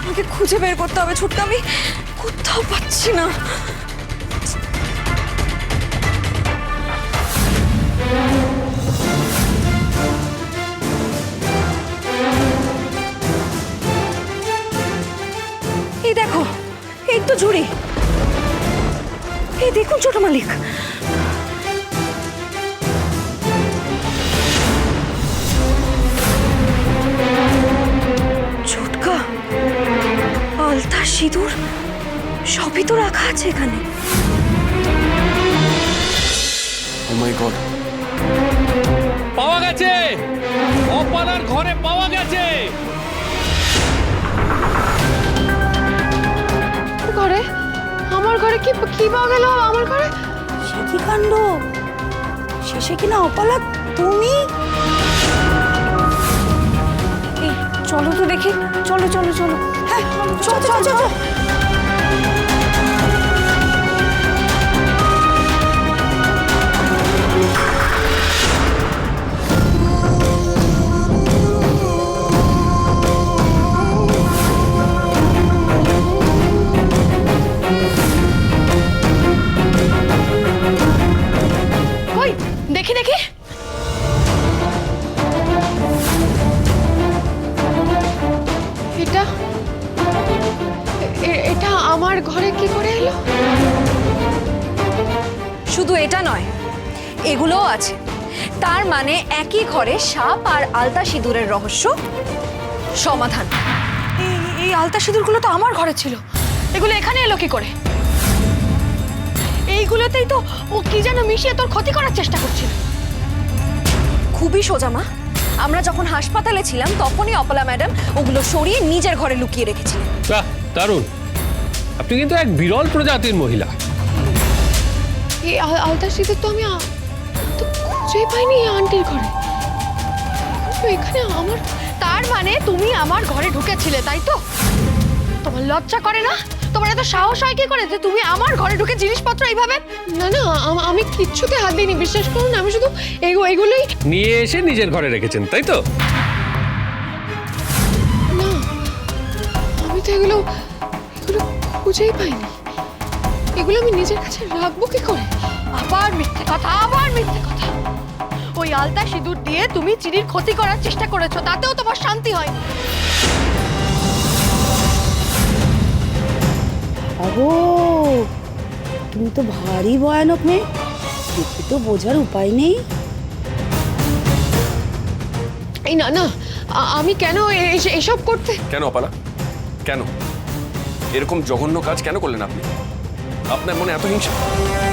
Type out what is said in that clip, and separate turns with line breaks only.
আমাকে খুঁজে বের করতে হবে ছোটকা, আমি কোথাও পাচ্ছি না। এই দেখো, এই তো ঝুড়ি। এই দেখুন ছোট মালিক, ছোটকা আলতা সিঁদুর সবই তো রাখা আছে এখানে।
ও মাই গড,
পাওয়া গেছে, অপালার ঘরে পাওয়া গেছে।
ঘরে? আমার ঘরে কি কি পাওয়া গেল আমার ঘরে?
সে কি কাণ্ড, শেষে কিনা অপালা তুমি? এই চলো তো দেখি, চলো চলো চলো। হ্যাঁ চলো চলো চলো।
কই দেখি দেখি। এটা এটা আমার ঘরে কি করে এলো?
শুধু এটা নয়, এগুলোও আছে। তার মানে একই ঘরে সাপ আর আলতা সিঁদুরের রহস্য সমাধান।
এই আলতা সিঁদুরগুলো তো আমার ঘরে ছিল, এগুলো এখানে এলো কি করে? এইগুলোতেই তো ও কি যেন মিশিয়ে তোর ক্ষতি করার চেষ্টা করছিল।
খুবই সোজা মা, আমরা যখন হাসপাতালে ছিলাম তখনই অপলা ম্যাডাম ওগুলো সরিয়ে নিজের ঘরে লুকিয়ে রেখেছিলেন।
বাহ, দারুণ। আপনি কিন্তু এক বিরল প্রজাতির মহিলা।
এই আলতা সিঁদুর তো আমি তো খুঁজেই পাইনি এই আন্টির ঘরে। তো এখানে আমার, তার মানে তুমি আমার ঘরে ঢুকেছিলে তাই তো? তোমার লজ্জা করে না? তোমার এত সাহস হয় কি করে যে তুমি আমার ঘরে ঢুকে জিনিসপত্র এইভাবে? না না, আমি কিচ্ছুতে হাত দিইনি, বিশ্বাস করুন। আমি শুধু এইগুলোই
নিয়ে এসে নিজের ঘরে রেখেছেন, তাই তো?
না, আমি তো এগুলো খুঁজেই পাইনি। এগুলো আমি নিজের কাছে রাখবো কি করে? আবার মিথ্যে কথা, আবার মিথ্যে কথা। ওই আলতা সিঁদুর দিয়ে তুমি চিনির ক্ষতি করার চেষ্টা করেছো, তাতেও তোমার শান্তি হয়নি।
अहो, তুমি তো ভারী ভয়ানক মেয়ে, দেখে তো বোঝার উপায় নেই।
এই না না, আমি কেন এসব করতে?
কেন অপালা, কেন এরকম জঘন্য কাজ কেন করলেন আপনি? আপনার মনে এত হিংসা?